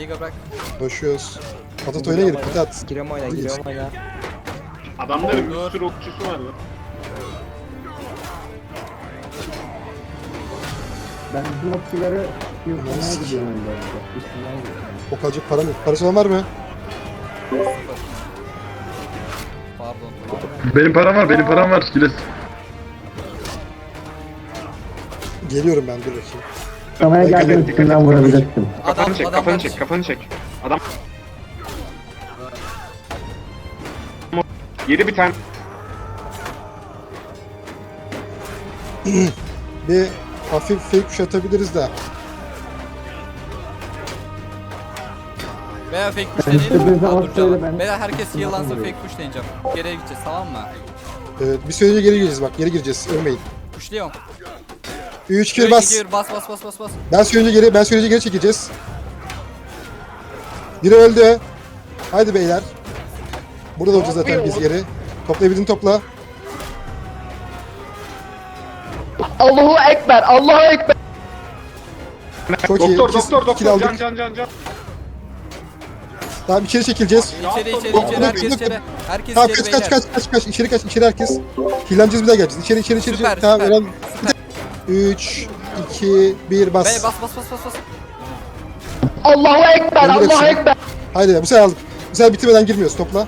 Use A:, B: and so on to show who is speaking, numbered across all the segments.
A: Liga bırak.
B: Koşuyoruz. Atat oyuna girip bir de at.
C: Giriyorum oyna, giriyorum oyna.
D: Adamların bir sürü okçusu var lan.
E: Ben bu okçuları yurtlamaya gidiyorum önce. Üstünden gidiyorum.
B: O kalacak param yok. Parası olan var mı?
A: Pardon.
F: Benim param var. Giles.
B: Geliyorum ben, dur bakayım.
E: Kafaya geldim üstünden vurabilecektim.
D: Kafanı çek,
A: adamlar-
D: kafanı çek, kafanı çek. Adam... Yedi bir tane.
B: Bir hafif fake push atabiliriz de.
A: Veya fake push
E: Ben işte
A: deneyelim.
E: bize
A: Aa,
E: az
A: dur
E: söyle,
A: canım.
E: ben-
A: Veya herkes
E: Ben
A: heal'lansın,
E: yapamıyorum.
A: fake push deneyeceğim. Geriye gideceğiz, tamam mı?
B: Evet, bir sürece geri gireceğiz bak. Geri gireceğiz. Ölmeyin.
A: Pushluyorum.
B: 3 2 bas.
A: 2 bas bas bas bas bas.
B: Ben sürece geri çekeceğiz. Biri öldü. Haydi beyler. Burada da olacağız zaten biz geri. Toplayabildiğini topla.
C: Allahu Ekber, Allahu Ekber.
B: Çok iyi.
D: Doktor,
B: İki
D: doktor,
B: kill
D: doktor,
B: aldık.
D: can.
B: Tamam, içeri çekileceğiz.
A: İçeri
B: Doktor,
A: herkes
B: doktor.
A: içeri. Herkes
B: Tamam,
A: içeri
B: kaç
A: beyler.
B: içeri herkes. Hilleneceğiz, bir daha geleceğiz. İçeri.
A: Süper,
B: Tamam,
A: süper,
B: Eren. 3 2 1 bas.
A: Bey bas bas bas bas bas.
C: Allahu Ekber,
B: Öldür
C: Allahu
B: hepsini.
C: Ekber.
B: Haydi bu sefer aldık. Bu sefer bitirmeden girmiyoruz, topla.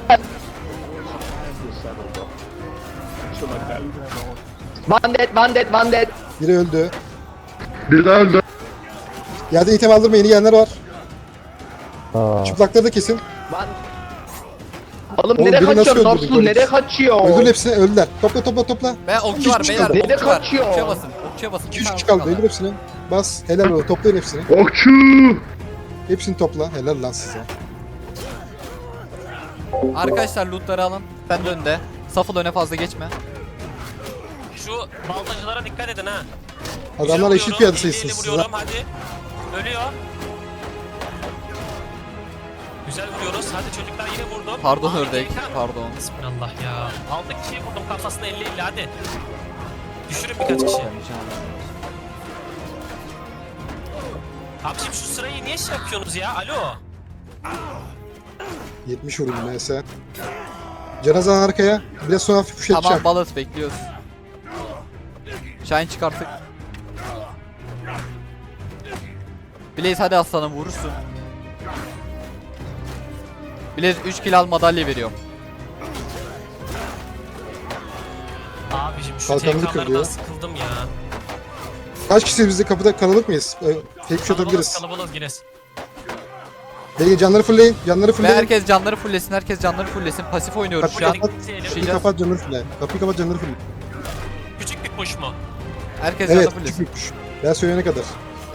C: Bandet.
B: Biri öldü.
F: Bir daha öldü.
B: Yerden item aldırma, yeni gelenler var. Çıplakları da kesin.
C: Oğlum
B: Oğlum,
C: nereye
B: biri nasıl
C: kaçıyor?
B: öldürdün
C: Narsul
B: böyle?
C: nereye kaçıyor?
B: Öldür hepsini, öldüler. Topla.
A: Ve okçu var
B: İki
A: beyler.
B: kaldı.
C: Nerede
A: Okçu var.
C: kaçıyor?
A: Okçuya basın. Okçuya basın.
B: 2 3 kaldı, öldür hepsini. Bas, helal olsun, toplayın hepsini.
F: Okçu.
B: Hepsini topla, helal lan size.
A: Arkadaşlar lootları alın. Sen de önde. Safıl öne fazla geçme.
G: Şu baldacılara dikkat edin ha.
B: Adamlar
G: Güzel
B: eşit
G: vuruyorum,
B: piyade
G: 50-50
B: sayısınız size.
G: vuruyorum hadi. Ölüyor. Güzel vuruyoruz. Hadi çocuklar yine vurdum.
A: Pardon
G: Abi,
A: ördek.
G: Geykan.
A: Pardon.
G: Bismillah ya. Aldık kişiyi vurdum kafasına 50-50 hadi. Düşürün birkaç kişi. Abiciğim şu sırayı niye şey yapıyorsunuz ya? Alo.
B: 70 vurdum neyse. Cenazan arkaya. Biraz sonra hafif push
A: Tamam
B: edeceğim.
A: balıt bekliyoruz. Şahin çıkarttık. Blaze hadi aslanım vurursun. Blaze 3 kill al madalya veriyorum.
G: Abiciğim şu
B: Kalkanını
G: TK'lardan
B: kırıyor.
G: sıkıldım ya.
B: Kaç kişi biz de kapıda kalabalık mıyız? Fake push atabiliriz.
G: Kalabalık Gires.
B: Belki canları fullleyin. Canları
A: Ve
B: fullleyin.
A: herkes canları fulllesin. Herkes canları fulllesin. Pasif oynuyoruz şu
B: Kapıyı
A: an.
B: kapat.
G: Şey,
B: Kapıyı kapat, canları fulle. Kapıyı kapat, canları fulle.
G: Küçük bir push mu?
A: Herkes
B: Evet,
A: canı
B: küçük
A: fulllesin.
B: bir push. Ben söyleyene kadar.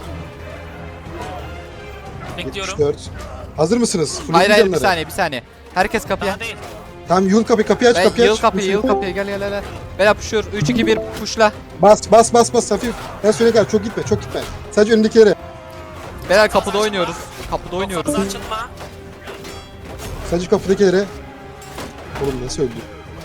G: Bekliyorum.
B: 74. Hazır mısınız?
A: Hayır
B: Fullleyin
A: bir
B: canları.
A: saniye. Herkes kapıya.
G: Daha değil.
B: Tamam, yıl kapıyı aç,
A: Ben
B: kapıyı
A: yıl
B: aç.
A: kapıyı gel. Bela pushur. 3 2 1 pushla.
B: Bas hafif. Ben söyleyene kadar çok gitme. Sadece önündekilere.
A: Bela kapıda oynuyoruz. Kapıda oynuyoruz.
G: Fazla açılma.
B: Sadece kapıdakilere. Oğlum nasıl öldü?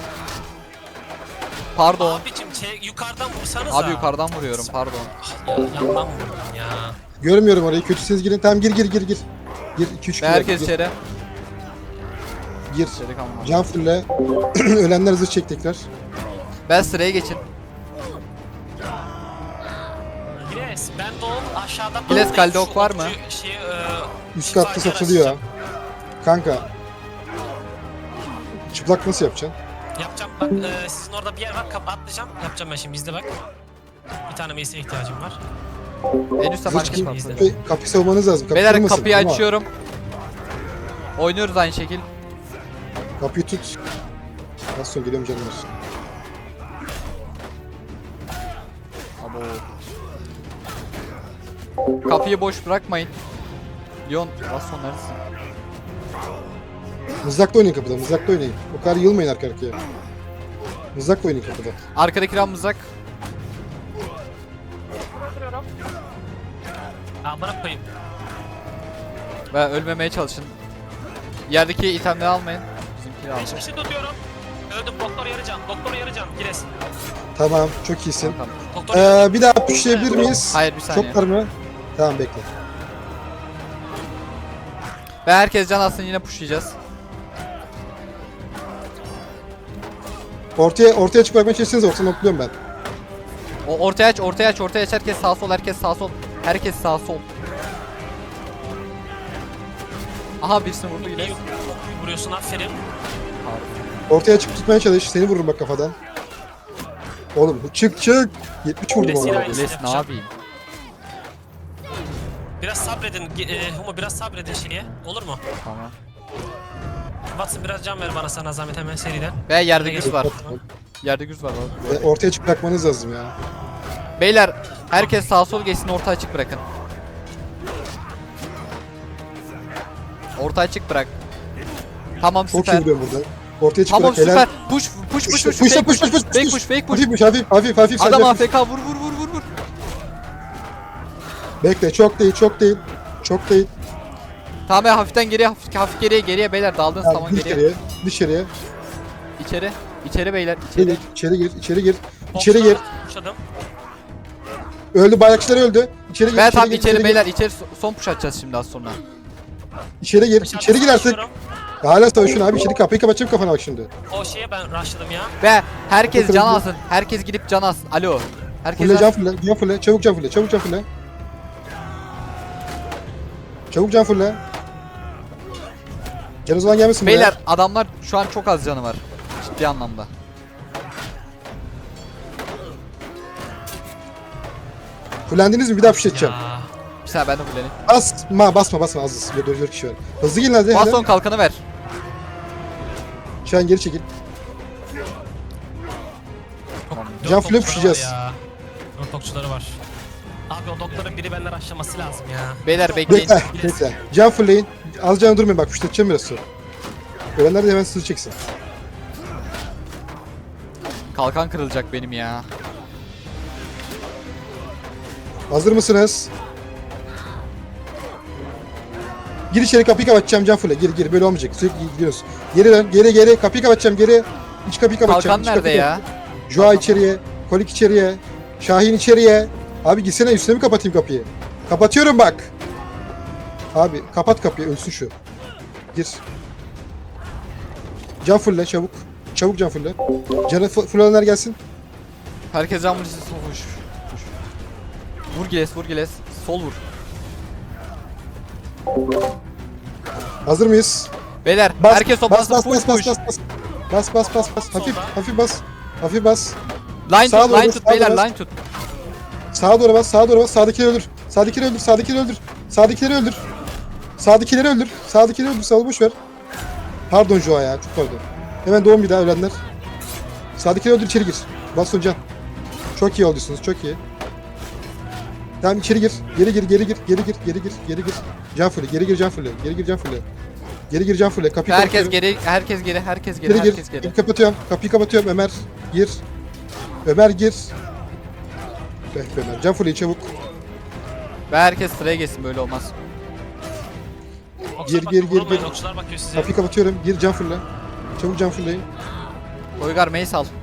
A: Pardon.
G: Abicim yukarıdan vursanız
A: Abi yukarıdan vuruyorum pardon.
G: Ya yandan vurdum ya.
B: Görmüyorum orayı. Kötüsünüz girin. Tamam, gir. Gir 2-3
A: Ve herkes içeri.
B: Gir.
A: İçeri kalma.
B: Can fulle. Ölenler hızlı çek tekrar.
A: Ben sıraya geçin.
G: Gires ben de o aşağıdan
A: Gires,
G: bakayım,
A: kalede
G: şu
A: ok var mı?
G: okçu Şeyi,
B: Üst katta
G: şifacı
B: satılıyor.
G: araştıracağım.
B: Kanka. Çıplak nasıl yapacaksın?
G: Yapacağım bak sizin orada bir yer var atlayacağım. Yapacağım ben şimdi izle bak. Bir tane Mace'e ihtiyacım var.
A: En üstte
B: Hızlı
A: market
B: çıkın.
A: var.
B: Kapıyı savunmanız lazım. Kapıyı
A: Beyler
B: kırmasın,
A: kapıyı
B: ama
A: açıyorum. Oynuyoruz aynı şekil.
B: Kapıyı tut. Nasıl sonra geliyorum canım.
A: Kapıyı boş bırakmayın. Leon baston neredesin?
B: Mızrakla oynayın kapıda. Mızrakla oynayın. O kadar yılmayın arka arkaya. Mızrakla oynayın kapıda.
A: Arkadaki ram mızrak.
G: Amına koyayım.
A: Ve ölmemeye çalışın. Yerdeki itemleri almayın. Bizimkini
G: 5
A: alın.
G: kişi tutuyorum. Öldüm doktor yarıcan. Doktor yarıcan. Gires.
B: Tamam, çok iyisin.
A: Tamam.
G: Doktor yarıcan.
B: Bir daha pushlayabilir miyiz?
A: Hayır bir saniye.
B: Çok var mı? Tamam, bekle.
A: Ve herkes can alsın, yine pushlayacağız.
B: Ortaya açık bırakmaya çalışsanız ortadan okluyorum ben.
A: O ortaya aç, ortaya aç, ortaya aç. Herkes sağ sol, herkes sağ sol. Herkes sağ sol. Aha birisini vurdu yine.
G: İyi vuruyorsun, aferin.
B: Ortaya açık tutmaya çalış. Seni vururum bak kafadan. Oğlum çık. 70 vurdum
G: Bilesiyle
B: ona.
G: aynısını
A: Les ne
G: yapacağım.
A: yapayım?
G: Biraz sabredin. Humo biraz sabredin şeye. Olur mu?
A: Tamam.
G: Watson biraz can ver bana sana zahmet hemen seriden.
A: Ve yerde güç var.
G: Tamam.
A: Yerde güç var.
B: Ortaya açık bırakmanız lazım ya.
A: Beyler herkes sağ sol geçsin, orta açık bırakın. Orta açık bırak. Tamam
B: Çok iyi
A: süper.
B: vuruyorum burada. Ortaya açık
A: Tamam
B: bırak.
A: süper. Push. Fake push. Fake push.
B: Hafif.
A: Adam
B: sadece
A: AFK vur.
B: Bekle, çok değil.
A: Tamam ya, hafiften geriye, hafif geriye beyler, daldınız
B: Yani
A: tamam geriye.
B: dışarıya.
A: İçeri beyler, içeri.
B: İçeri gir.
G: Tuşladım.
B: Öldü, bayrakçılar öldü. İçeri gir.
A: Ben tam
B: gir,
A: içeri
B: gir.
A: beyler, içeri son push atacağız şimdi az sonra.
B: İçeri gir artık.
G: Savaşıyorum.
B: Hala savaşın abi. İçeri kapıyı kapatacağım kafana bak şimdi.
G: O şeye ben rushladım ya.
A: Ve herkes
B: Bakın
A: can
B: bu-
A: alsın. Herkes gidip can alsın. Alo. Herkes
B: Fulle can fulle. Çabuk can fulle. Çabuk can fulle. Can o zaman gelmesin buraya.
A: Beyler adamlar şu an çok az canı var. Ciddi anlamda.
B: Fullendiniz mi? Bir daha fişleteceğim.
G: Ya.
A: Bir saniye ben de fullenim.
B: Basma az. 4 kişi var. Hızlı gelin hadi.
A: Baston kalkanı ver.
B: Şu an geri çekil.
G: Dört
B: Can fulle
G: okçuları
B: puşlayacağız.
G: var ya. 4 okçuları var. Abi o doktorun biri benden rushlaması lazım ya.
A: Beyler bekleyin.
B: Bekle. Can fullleyin. Az can durmayın bak fişleteceğim biraz sonra. Ölenler de hemen hızlı çeksin.
A: Kalkan kırılacak benim ya.
B: Hazır mısınız? Gir içeri, kapıyı kapatacağım can fulle. Gir böyle olmayacak. Sürekli gidiyoruz. Geri dön. Geri kapıyı kapatacağım geri. İç kapıyı kapatacağım.
A: Kalkan nerede ya?
B: Joa içeriye. Kolik içeriye. Şahin içeriye. Abi gitsene, üstüne mi kapatayım kapıyı? Kapatıyorum bak. Abi kapat kapıyı, ölsün şu. Gir. Can fulle çabuk. Çabuk can fulle. Canı fullenler gelsin.
A: Herkes can vuruşu push. Vur Giles. Sol vur.
B: Hazır mıyız?
A: Beyler
B: Bas,
A: herkes toplansın, push.
B: Bas. Hafif bas.
A: Line
B: Sağa
A: tut,
B: doğru,
A: line tut
B: sağa
A: beyler,
B: doğru.
A: line tut.
B: Sağa doğru bas. Sağdakileri öldür. Sağdakileri öldür. Sağ boş ver. Pardon Joa ya, çok pardon. Hemen doğum bir daha ölenler. Sağdakileri öldür, içeri gir. Baston can. Çok iyi olduysunuz, çok iyi. Tamam içeri gir. Geri gir. Can fulle. Geri gir can fulle. Kapıyı
A: Herkes
B: kapatıyorum.
A: geri.
B: Geri gir. Kapıyı kapatıyorum. Ömer gir. Ömer. Can fulle çabuk.
A: Ve herkes sıraya geçsin, böyle olmaz.
G: Okçular
B: Gir,
G: bakıyor,
B: gir.
G: vurulmayın, okçular bakıyor size.
B: Kapıyı kapatıyorum. Gir can fulle. Çabuk can fulleyin.
A: Toygar mace al.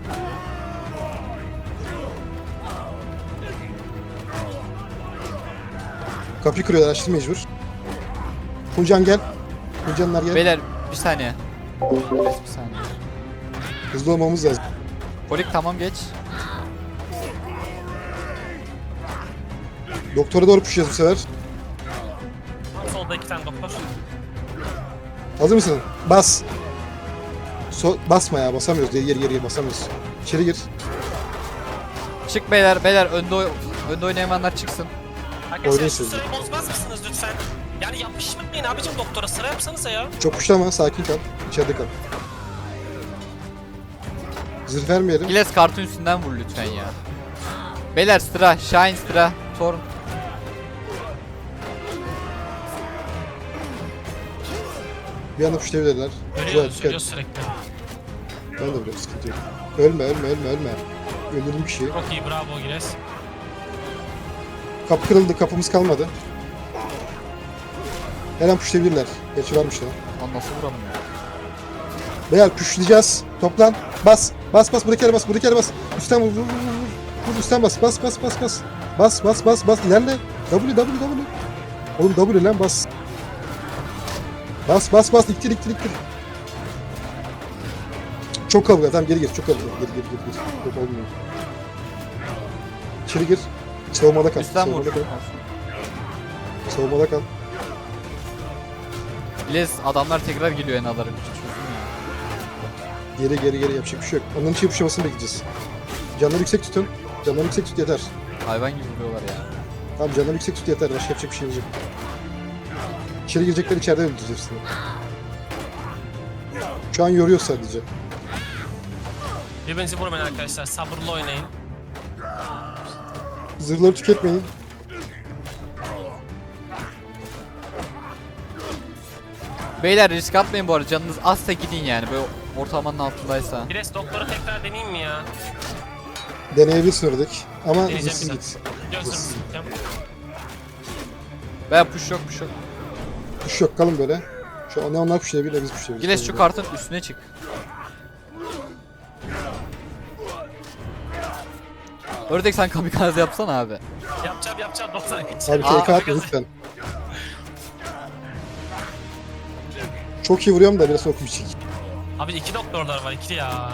B: Kapıyı kırıyorlar, açtı mecbur. Fulcan gel. Fulcanlar gel.
A: Beyler bir saniye. Bir saniye.
B: Hızlı olmamız lazım.
A: Polik tamam geç.
B: Doktora doğru puşacağız bu sefer.
G: Tam solda 2 tane doktor.
B: Hazır mısın? Bas. Basma ya, basamıyoruz. Geri basamıyoruz. İçeri gir.
A: Çık beyler önde oynayamayanlar çıksın.
G: Arkadaşlar
B: Oynayın
G: şu
B: siz.
G: sırayı bozmaz mısınız lütfen? Yani yapışmayın abicim doktora, sıra yapsanıza ya.
B: Çok puşlama, sakin kal. İçeride kal. Zırh vermeyelim.
A: Giles kartın üstünden vur lütfen ya. Beyler sıra, Shine sıra, Thorn.
B: Bir anda puşlayabilirler.
G: Söylüyor sürekli.
B: Ben de biliyorum, sıkıntı yok. Ölme. Öldürdüm kişiyi.
G: Çok iyi, bravo Gires.
B: Kapı kırıldı, kapımız kalmadı. Her an puşlayabilirler. Gerçi varmış ya.
A: Lan nasıl vuralım ya?
B: Beyler puşlayacağız. Toplan. Bas. Buraya bas. Üstten vur. Vur üstten bas. Bas. İlerle. W. Oğlum W lan bas. Bas bas bas ittir ittir ittir. Çok kalabalık tamam geri gir çok kalabalık geri. Yok olmuyor. İçeri gir. Savunmada kal.
A: Üstten vur.
B: Savunmada kal. Savunmada kal.
A: Giles adamlar tekrar geliyor enaların.
B: Geri yapacak bir şey yok. Onların için yapışmasını bekleyeceğiz. Canları yüksek tutun. Canları yüksek tut yeter.
A: Hayvan gibi vuruyorlar ya.
B: Tamam canları yüksek tut yeter. Başka yapacak bir şeyimiz yok. İçeri girecekler içeride öldüreceğiz hepsini. Şu an yoruyor sadece.
G: Birbirinizi vurmayın arkadaşlar. Sabırlı oynayın.
B: Zırhları tüketmeyin.
A: Beyler risk atmayın bu arada. Canınız azsa gidin yani. Böyle ortalamanın altındaysa.
G: Pires doktoru tekrar deneyeyim mi ya?
B: Deneyebilirsin ördek. Ama
G: Deneyeceğim
B: zırhsız
G: bir
B: git.
G: Gözüm tutacağım.
A: Veya push yok.
B: Kuş yok kalın böyle. Şu an ne onlar kuşlayabilir ne biz kuşlayabiliriz.
A: Giles şu kartın üstüne çık. Ördek sen kamikaze yapsana abi.
G: Yapacağım 90
B: Abi
G: geçelim.
B: TK atma lütfen. Çok iyi vuruyorum da biraz okuyacak.
G: Abi 2 doktorlar var 2 ya.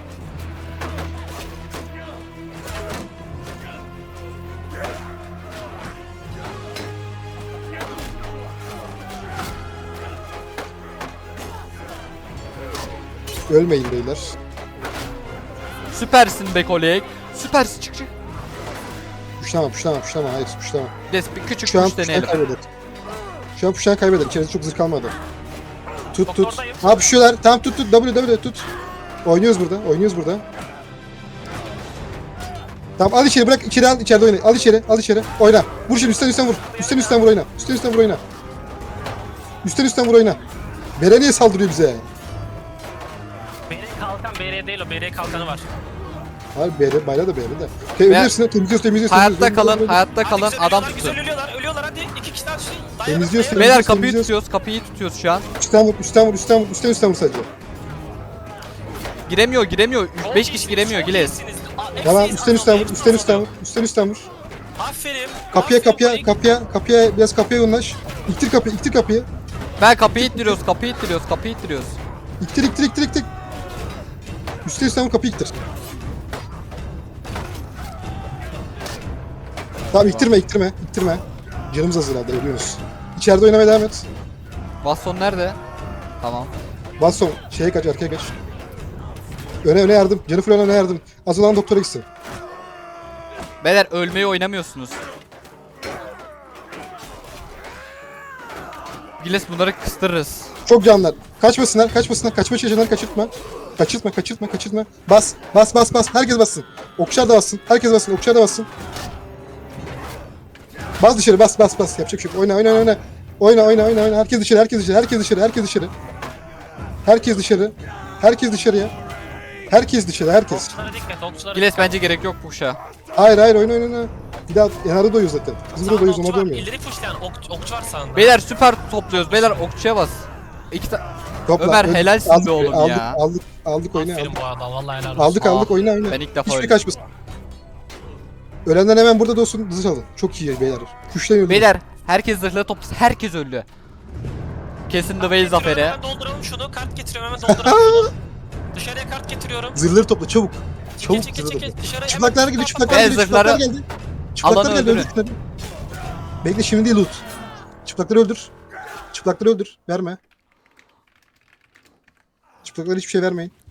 B: Ölmeyin beyler.
A: Süpersin be kolek. Süpersin çık.
B: Puşlama. Hayır puşlama.
A: Giles bir küçük
B: Şu an
A: push
B: puşlayan
A: deneyelim.
B: kaybeder. Şu an puşlayan kaybeder. İçeride çok zırh kalmadı. Tut.
G: Doktordayım.
B: Ha puşuyorlar. Tamam tut. W tut. Oynuyoruz burada. Tamam al içeri bırak. İçeri al. İçeride oyna. Al içeri. Oyna. Vur şimdi üstten vur. Üstten vur oyna. Üstten vur oyna. Bere niye saldırıyor bize?
G: BR kalkan BR değil o BR kalkanı var.
B: Hayır bere. Bayrağı da bere de. Temizliyorsun.
A: Hayatta kalın.
G: Hadi
A: Adam
G: güzel
A: tutun.
G: ölüyorlar hadi 2 kişi daha düşün.
B: Temizliyorsun.
A: Beyler kapıyı
B: Temizliyoruz.
A: tutuyoruz şu an.
B: Üstten vur sadece.
A: Giremiyor. 5 kişi giremiyor Giles.
B: Tamam üstten vur.
G: Aferin.
B: Kapıya biraz kapıya yoğunlaş. İktir kapıyı.
A: Ben kapıyı ittiriyoruz.
B: İktir. Üstten vur kapıyı iktir. Tamam iktirme. Canımız hazır herhalde ölüyoruz. İçeride oynamaya devam et.
A: Baston nerede? Tamam.
B: Baston şeye kaç arkaya kaç. Öne yardım. Jennifer öne yardım. Az olan doktora gitsin.
A: Beyler ölmeyi oynamıyorsunuz. Giles bunları kıstırırız.
B: Çok canlar. Kaçmasınlar. Kaçma çalışanları kaçırtma. Kaçırtma. Bas. Herkes bassın. Okçular da bassın. Herkes bassın. Bas dışarı. Bas. Yapacak bir şey yok. Oyna. Herkes dışarı. Herkes dışarıya. Herkes.
G: Okçulara dikkat okçulara
A: Giles
G: dikkat.
A: bence gerek yok push'a.
B: Hayır oyna. Bir daha yanarda doyuyor zaten. Bizim de
G: Sağda
B: doyuyoruz
G: okçu
B: ama
G: var.
B: doymuyor.
G: İleri puşlayan okçu var sağında.
A: Beyler süper topluyoruz. Beyler okçuya bas.
B: Topla.
A: Ömer, helalsin be oğlum ya.
B: Aldık oyna.
G: Aferin bu arada vallahi helal olsun.
B: Aldık oyna.
A: Ben ilk defa
B: Hiçbir
A: öldüm.
B: kaçmasın. Ölenler hemen burada olsun. Hızlı çalın. Çok iyi beyler. Kuşlayın.
A: Beyler herkes zırhlı toplasın. Herkes öldü. Kesin The Way zaferi.
G: Hemen dolduralım şunu. Kart getiriyorum hemen dolduralım şunu. Dışarıya kart getiriyorum.
B: Zırhları topla çabuk. Çabuk
G: Çekil
B: zırhları topla.
G: dışarıya.
B: Çıplaklar geldi.
A: Ben
B: Çıplaklar
A: zırhları-
B: geldi.
A: Alanı
B: Çıplaklar geldi.
A: öldürün.
B: Öldür şunları. Bekle şimdi değil loot. Çıplakları öldür. Verme. Çıplaklara hiçbir şey vermeyin.